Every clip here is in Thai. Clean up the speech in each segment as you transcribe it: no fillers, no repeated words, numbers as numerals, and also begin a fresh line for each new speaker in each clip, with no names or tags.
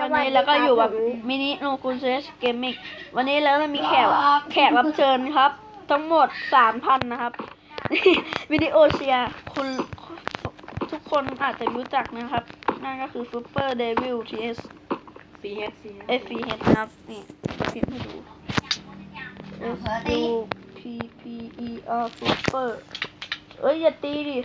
วันนี้แล้วก็อยู่กับมินิโนกุนเซสเกมมิ่งวันนี้แล้วมีแขกรับเชิญครับ ทั้งหมด 3,000 นะครับ วิดีโอเชียร์คุณทุกคนอาจจะรู้จักนะครับนั่นก็คือ Super Devil TS FPH นะครับนี่พิมพ์ให้ดู SUPPER Super เอ้ยอย่าตีดิ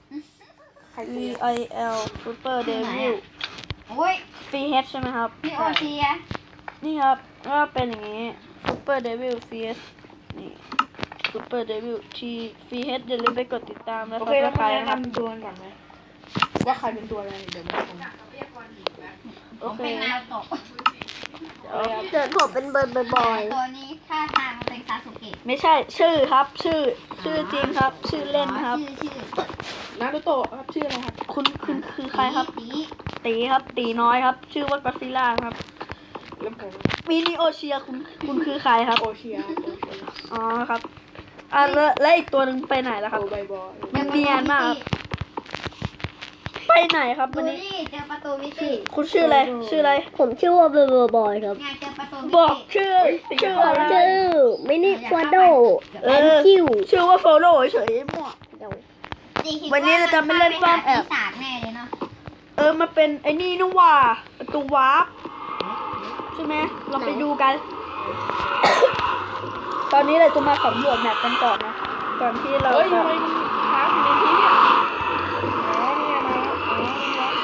VIL Super Devil FPH ใช่ไหมครับ
นี่โอเชีย
นี่ครับก็เป็นอย่างนี้ Super Devil FPH นี่ Super Devil FPH อย่าลืมไปกดติดตามแล้ว
โอเคแล้วมาแนะ
ครับ
นำตัวก่อนไหมว่าใครเป็นตัวอะไรเดี๋ยวมาฟัง
โอเค
เป็นนาโตะ
เดี๋ยวผมเป็นเบิร์ดบอย
ตัวนี้ท่าทางเป็นซาสุเกะ
ไม่ใช่ชื่อครับชื่อจริงครับ ชื่อเล่นครับ
ชื่อ
นารูโตะครับชื่ออะไรครับ
คุณคือใครครับ
ตี
ตีครับตีน้อยครับ ชื่อว่ากอซิล่าครับ
เริ่มผม
มินิโอเชียคุณคือใครครับ
โอเชียโอเชีย
อ๋อครับแล้วอีกตัวหนึ่งไปไหนแล้วครับ
โอใบบอย
เนียนมากครับ ไปไหนครับ
ดู
วันนี้
นี่เจอประตูมิติ
คุณชื่ออะไร
ผมชื่อว่าเบอร์บอยครับ
ไงเจอประตูมิติ
บอกชื่ออะไร
ชื่อมินิฟอนโด
เอ
แอน
อ
คิว
ชื่อว่าโฟโล่เฉยๆมั่ว วันนี้เราจะไม่เล่นซ่อนแอบ
ปีศาจแน่เลยเนาะ
มันเป็นไอ้นี่นะว่าประตูวาร์ปใช่ไหมเราไปดูกัน ตอนนี้เราจะมาสำรวจแมปกันก่อนนะก่อนที่เรา
เฮ้ย
จะ
ทำไมมันค้างอยู่ในที่เนี่ยอ๋อเนี่ยนะอ๋อนี่วะ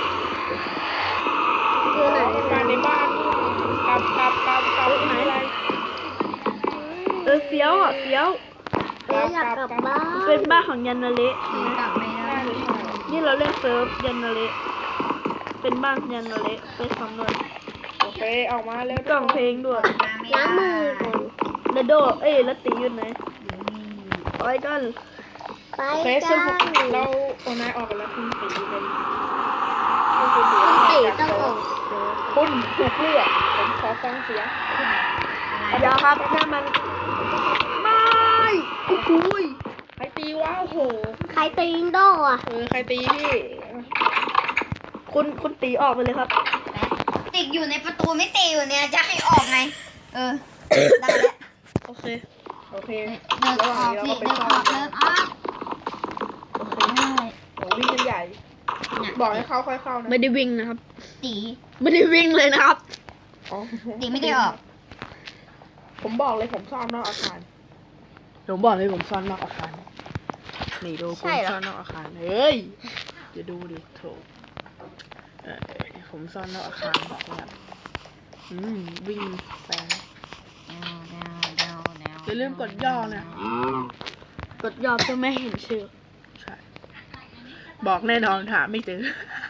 คือไหน
มันมาในบ้านนี่กลับไหนอะไร
เฟี้ยวอ่ะเฟี้ยว
อยากกลับบ้าน
เป็นบ้านของยันนาเละใช่ไหม
กลับไม่ได้
นี่เราเล่นเซิร์ฟยันนาเละเป็นบ้านยันนาเละไปสำรวจ
โอเคออกมาแล้ว
กล่องเพลงด้วย
ล้างมือก่อน
แล้วโดแล้วตีอยู่ไหนไปกัน
ไป
โอเค
กั
ซึ่ง
น
เราโอนายออกกันแล้วคุณตีเป็น
คุณตีต้องออก
คุณถูกเลือกผมขอฟังเสียงคุณ
อย่าครับนั่นมันไม่โอ้โหย
ใครตีวะโอ้โห
ใครตีอินโดอ่ะ
ใครตีพี่
คุณตีออกไปเลยครับ
ติดอยู่ในประตูมิติอยู่เนี่ยจะให้ออกไงได้แล้ว
โอเค
โอเค
เดิน
ระห
อ
ว่าง
อก
นี้เรา
สิ
ก็ไป
เดิน
ซ่
อ
อ
อน กได้
โอ้วิ่งกันใหญ่ บอกให้เข้าค่อยเข้านะ
ไม่ได้วิ่งนะครับ
ตี
ไม่ได้วิ่งเลยนะครับ
อ๋อ
ตีไม่ได้ออก
ผมบอกเลยผมซ่อนนอกอาคารผมบอกเลยผมซ่อนนอกอาคารนี่ดูผมซ่อนนอกอาคารเฮ้ยจะดูดิโถผมซ่อนนอกอาคารนะครับวิ่งแซงอย่าลืมกดย่อนะ
กดยอมจะไม่เห็นชื่อ
ใช่ บอกแน่นอนหาไม่เจอ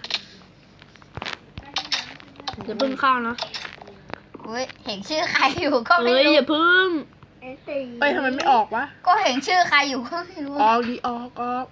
อย่าเพิ่งเข้านะ
เห็นชื่อใครอยู่ก็ไม่
เฮ้ย
รู้
อย่าเพิ่ง
ไปทำไมไม่ออกวะ
ก็เห็นชื่อใครอยู่ก็ไม่รู้
ออกดีออก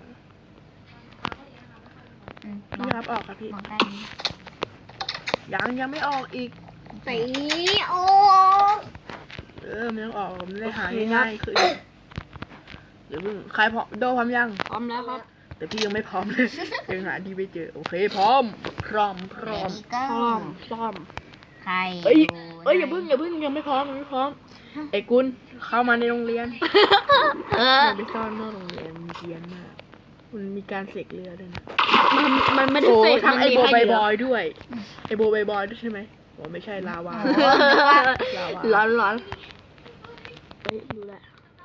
พี่ครับออกครับพี่
บอกได้ไหม
ยังไม่ออกอีก
ตีโอ้
ไม่ต้องออกผมได้หาง่ายๆคือเดี๋ยวเพิ่งใครพร้อมโดพร้อมยัง
พร้อมแล้วครับ
แต่พี่ยังไม่พร้อมเลย ยังหาดีไม่เจอโอเคพร้อม
ก็
ซ่อม
ใคร
เอ้ยอย่าเพิ่งยังไม่พร้อมไอ้กุลเข้ามาในโรงเรียนมันไปซ่อนนอกโรงเรียนมีเกียนมากมันมีการเสกเรือด้วยนะ
มันไม่ได้
โอ้
เฟก
ทั้งไอโบ
มันมี
ใบ
ให้
บ
เย
อยด้วยไอโบใบบอยด้วยใช่ไหมโอ้ไม่ใช่ลาวา
ร้อนเฮ้ยดูแหละ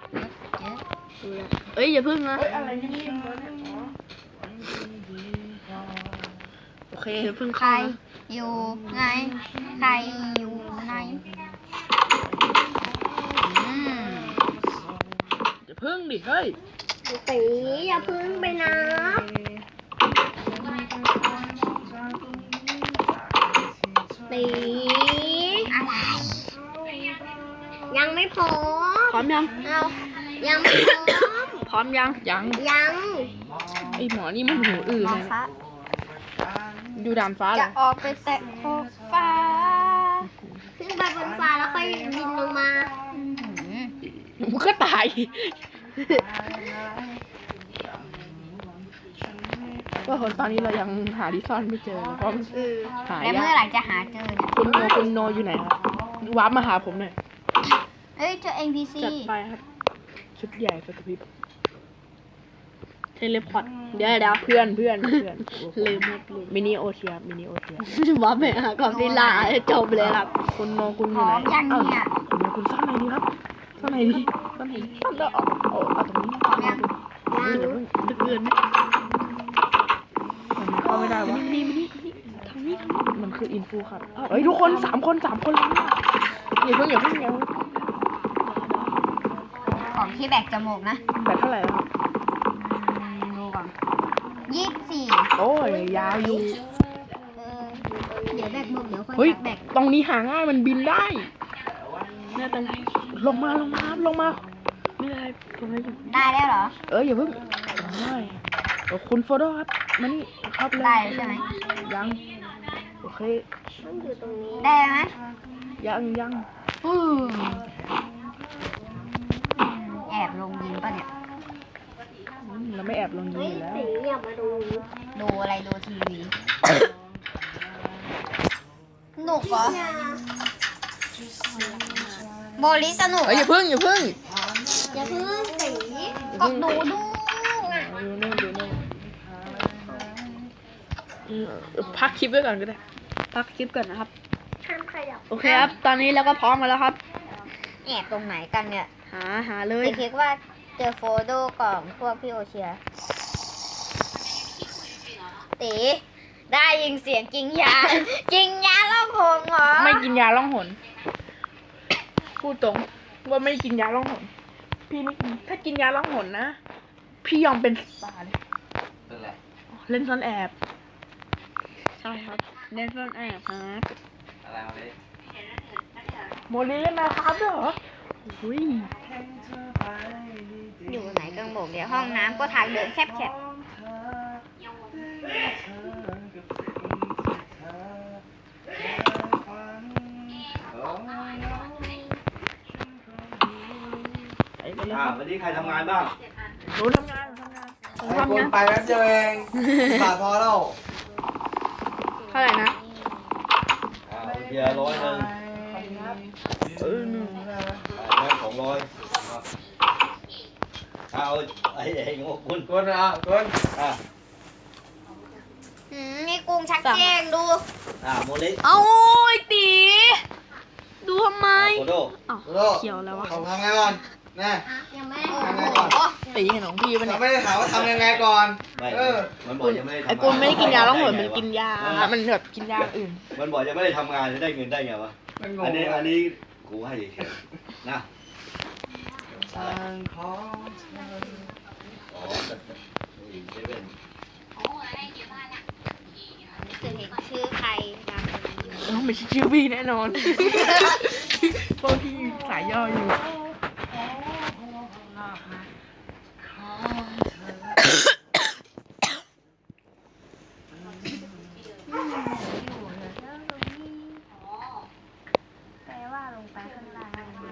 เอ้ยอย่าเพิ่งนะ
เฮ้ยอะไรนี่เนี่ยโอเค
อย่าเพิ่ง
ใคร
เข้านะ
อยู่ไงใครอยู่ไหน
อย่าพึ่งดิเฮ้ย
ตีอย่าพึ่งไปนะตี
อะไร
ยังไม่พร้อ
พร้อ
ม
มยัง
เอายังไม่พร้อม
พร้อมยัง
ยัง
ยัง
ไอหมอนี่มันหูอื่น
มอ
เลย
ฟ้า
อยู่ด่านฟ้าเหร
จะ
อ
ออกไปแตะขอบฟ้า
ขึ้นไปบนฟ้าแล้วค่อยบินลงมา
มันก็ตายก็ตอนนี้เรายังหาที่ซ่อนไม่เจอเพราะมันหา
แล้ว
ยา
เมื่อไหร่จะหาเจอเนี่ย
คุณโนอยู่ไหนครับวาร์ปมาหาผมหน่อย
เอ้ยเจอ NPC
จัดไปครับ ชุดใหญ่ไฟกระพริบ
เทเลพอร์ตเดี๋ยว
เพื่อน
ลืมหมดลืม
มินิโอเทีย
ว่าไปหาก่อนที่ลาจบเลยครับ
คุณโนคุณอ
พร้
ยู่
อ
ไหน
มยังเนี่ย
คุณโนคุณซ่อนไหนดีครับซ่อนไหนดีซ่อนแล้วเอาตรงนี้
พร้อมยัง
อย่าเพิ่ง
ดึกเกินไหม
มันเข้าไม่ได้วะ
นี่ทางนี้
มันคืออินฟูครับเฮ้ยทุกคนสามคนเลยเนี่ยอย่าเพิ่ง
ของที่แบกจมูกนะ
แบตเท่าไหร่แล้วครับ
ดูก่อน24
โอ้ยยาวอยู่
เดี๋ยวแบกหมดเดี๋ยวค่อย
เฮ้ย
แบก
ตรงนี้หาง่ายมันบินได้
ไม่เป็นไร
ลงมา
ไม่เป็นไรผมไม่อยู่
ได้แล้วเหรอ
อย่าเพิ่งคุณโฟโต้ครับมานี่ครับเลย
ได้แล้วใช่ไหม
ยังโอเค
ได้ไหม
ยัง
แอบลงยิงป่ะเนี่ย
เราไม่แอบลงยิงอยู่แล้ว
ดูอะไรดูทีวีสนุกเหรอโบลิสนุก
อย่าเพิ่ง
อย่าเพิ่งตี
ก็ดูดู
ดูนู่นพักคลิปไว้ก่อนก็ได้
พักคลิปก่อนนะครับ
ห้ามขยับ
โอเคครับ ตอนนี้เราก็พร้อมกันแล้วครับ
แอบตรงไหนกันเนี่ย
หาเลย
คิดว่าเจอโฟโต้ของพวกพี่โอเชียตีได้ยินเสียงกินยา กินยาล่องหงเหรอ
ไม่กินยาล่องหน พูดตรงว่าไม่กินยาล่องหน พี่ไม่กินถ้ากินยาล่องหนนะ พี่ยอมเป็นสตาร์เลยเล่นซ่อนแอบ
ใช่ครับเล่นซ่อนแอบครับ
โมลีเล่นนะครับด้วยเหรออุ้ย
อยู่ไหนกังบอกเดี๋ยวห้องน้ำก็ทางเดินแคบๆ
ไปกันเลย
วันนี้ใครทำงานบ้าง
หนูทำงาน
ไอ้คนไปแป๊บเดียวเองบาทพอแล้ว
เท่าไหร่นะ
เพียร์100นึง
หนึ่ง
แม่200เอาไอ้งกคุณอ่ะอ่ะ
นี่กุ้งชักแจ้งดู
โมลิ
เอาไอ้ตีดูทำไม
โคโด
อ้าวเขียวแล้ววะ
เขาทำไงก่อนนะ
ยังไม่
ทำไงก่อน
ตีเห็นของพี่ปะ
เรา
เนี่ย
ไม่ได้ถามว่าทำยังไงก่อน
ไม่
เออ
มันบอกยังไม่ได้ทำ
ไอ้กูไม่ได้กินยาล่องหนมันกินยา มันแบบกินยาอื่น
มันบอกยังไม่ได้ทำงานจะได้เงินได้ไงวะ
มันง
อั
ง
นนี้กูให้เฉยๆนะ
ทางของเธอ
อ๋อเซเว่น
คือเห็นชื่อใครดัง
ไม่ใช่ชื่อพี่แน่นอน พวกพี่สายย่ออยู่
แปลว่าลงไปข้างล่าง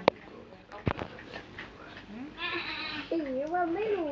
ตีว่าไม่รู้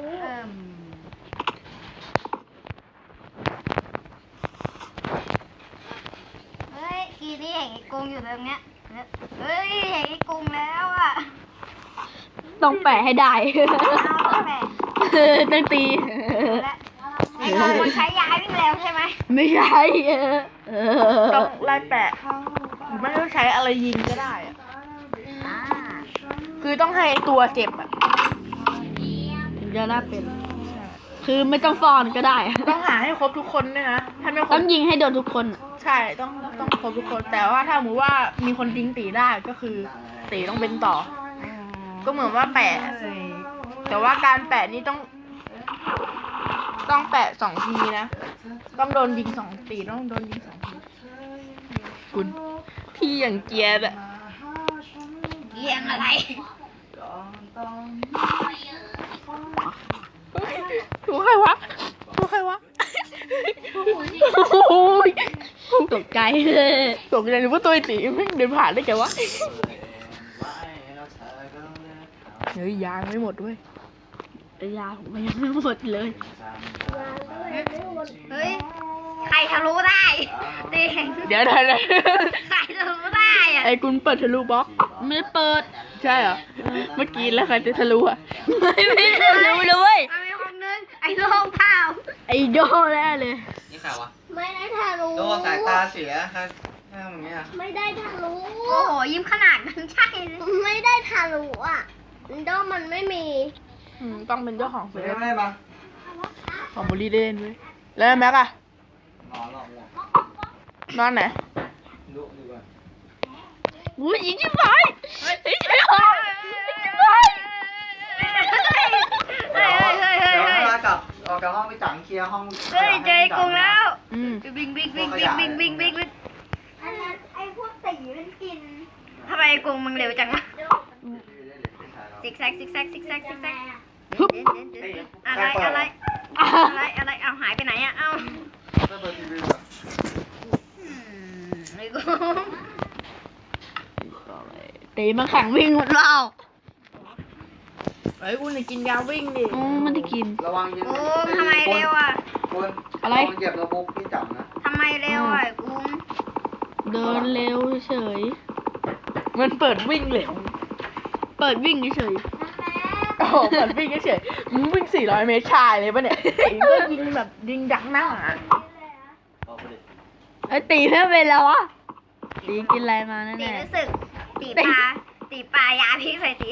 เฮ้ยกีนี่เห็นไอ้กุ้งอยู่ตรงเนี้ยเฮ้ยเห็นไอ้กุ้งแล้วอ่ะ
ต้องแปะให้ได้
เอาแปะ
ต้องตี
และไอ้กุ้งมันใช้ยาวิ่งเร็วใช่ไหม
ไม่ใช่
ต้องไล่แปะหรือไม่ต้องใช้อะไรยิงก็ได้อะ
อ่า
คือต้องให้ตัวเจ็บอ่ะ
ถึงจะได้เป็น คือไม่ต้องซ่อนก็ได้
ต้องหาให้ครบทุกคนด้วยนะ ถ้าไม่คร
ต้อบ งยิงให้โดนทุกคนอะ
ใช่ต้องครบทุกคน แต่ว่าถ้าสมมติว่ามีคนยิงตีได้ก็คือตีต้องเป็นต่อ ก็เหมือนว่าแปะ แต่ว่าการแปะนี่ต้องแปะ2 ทีนะ ต้องโดนยิง2 ตีต้องโดนยิง2 ทีคุณพี่อย่างเกียร์อะ
เยี่ยงอะไร
ถูกใครวะโอ้ย
ตกใจเลย
ตกใจหรือว่าตัวไอ้ตีไม่งเดินผ่านได้แกวะเฮ้ยยางไม่หมดด้วย
แต่ยาผมก็ยังไม่หมดเลย
เฮ้ย ใครทะลุได้เด็ก
เดี๋ยว
ใครทะลุได้อะ
ไอ้คุณเปิดทะลุบล็อก
ไม่ได้เปิด
ใช่เหรอ เมื่อกี้แล้วใครจะทะลุอ่ะ
ไม่ได้รู้เลย
มันมีคนนึงไอ้โลงเผา
ไอโดแน่เลย
นี่ใครวะ
ไม่ได้ทะลุ
โดสายตาเสียฮะหน้าอย่างเงี้ย
ไม่ได้ทะลุ
โอ้โห ยิ้มขนาดนั้นใช่เลย
ไม่ได้ทะลุอ่ะโดมันไม่มี
ต้องเป็นเจ้าของ
เสี
เซิ
ย
ร์ฟ
ไม่ได้มา
ของบุรีเล่นเว้ยแล้วแม็กอะ
นอนหรอกง่วง
นอนไหน
ดูดีกว่า
อุ้ยยิงชิบหายยิงชิบหายยิงชิบหาย
เฮ้ยเฮ้ยเฮ้ยเฮ้ย
เดี๋ยว
เฮ้ย
เวลากลับออกจากห้องไปจังเคลียร์ห้อง
เฮ้ยเจอไอ้กรุงแล้ว
อืม
บิงบิงบิงบิงบิงบิงบิงบิง
อันนั้นไอ้พวกตีมันกิน
ทำไมไอ้กรุงมึงเร็วจังวะซิกแซกซิกแซกซิกแซกซิกแซกอะไรอะไรอะไรเอาหายไปไหนอะเอา
เปิดทีวี
ไอ้กรุง
ตีมันแข่งวิ่งหมดแล้ว
ไอ้คุณกินยาวิ่งดิ
มันได้กิน
ระวังยิง
โอ้ทำไมเร็วอะ
คน
อะไร
ลงเหยียบโน้ตบุ๊กพี่จับนะ
ทำไมเร็วอะไอ้กรุง
เดินเร็วเฉย
มันเปิดวิ่งเร็ว
เปิดวิ่งเฉย
โอ้โหเปิดวิ่งเฉยๆมึงวิ่ง400 เมตรชายเลยปะเนี่ยไอ้ก็ยิงแบบยิงดักหน้าอะ
เอาไปดิ
ไอตีไม่เป็นแล้ววะตีกินอะไรมาแน่
ตี
แน่
รู้สึกตีปลายาพิษใส่ตี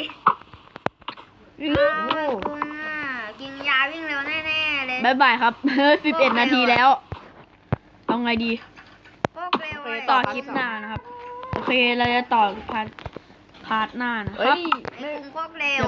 กรุงอะกินยาวิ่งเร็วแน่ๆเลย
บายบายครับ 11 นาทีแล้ว เอาไงดี
พวกเร็ว
ต่อคลิปหน้านะครับ โอเค เราจะต่อพาร์ทหน้านะค
เฮ้
รับ
ย
ไอ้กรุงพวกเร็ว